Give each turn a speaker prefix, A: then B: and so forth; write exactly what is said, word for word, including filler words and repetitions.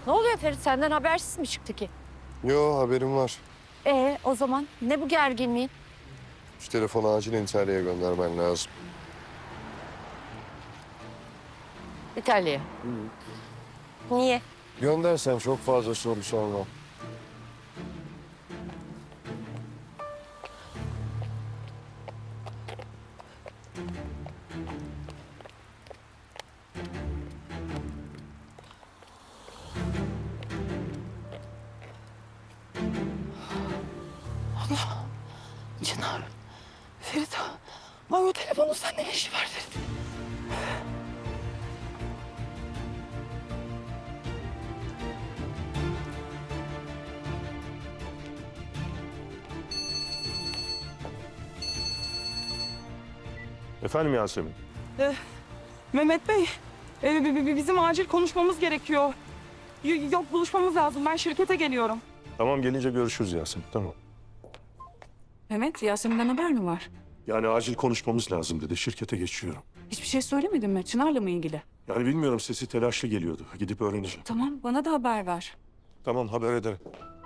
A: Ne oluyor Ferit? Senden habersiz mi çıktı ki?
B: Yo, haberim var.
A: Ee, o zaman ne bu gerginliğin?
B: Şu telefonu acilen İtalya'ya göndermen lazım.
A: İtalya'ya. Niye?
B: Göndersen çok fazla soru sormam.
C: Çınar. Ferit. Ay o telefonun sende ne işi var Ferit?
D: Efendim Yasemin?
C: Ee, Mehmet Bey. e, bi- bi- bizim acil konuşmamız gerekiyor. Y- yok buluşmamız lazım. Ben şirkete geliyorum.
D: Tamam gelince görüşürüz Yasemin, tamam.
C: Mehmet, Yasemin'den haber mi var?
D: Yani acil konuşmamız lazım dedi, şirkete geçiyorum.
C: Hiçbir şey söylemedin mi? Çınar'la mı ilgili?
D: Yani bilmiyorum, sesi telaşlı geliyordu. Gidip öğreneceğim.
C: Tamam, bana da haber ver.
D: Tamam, haber ederim.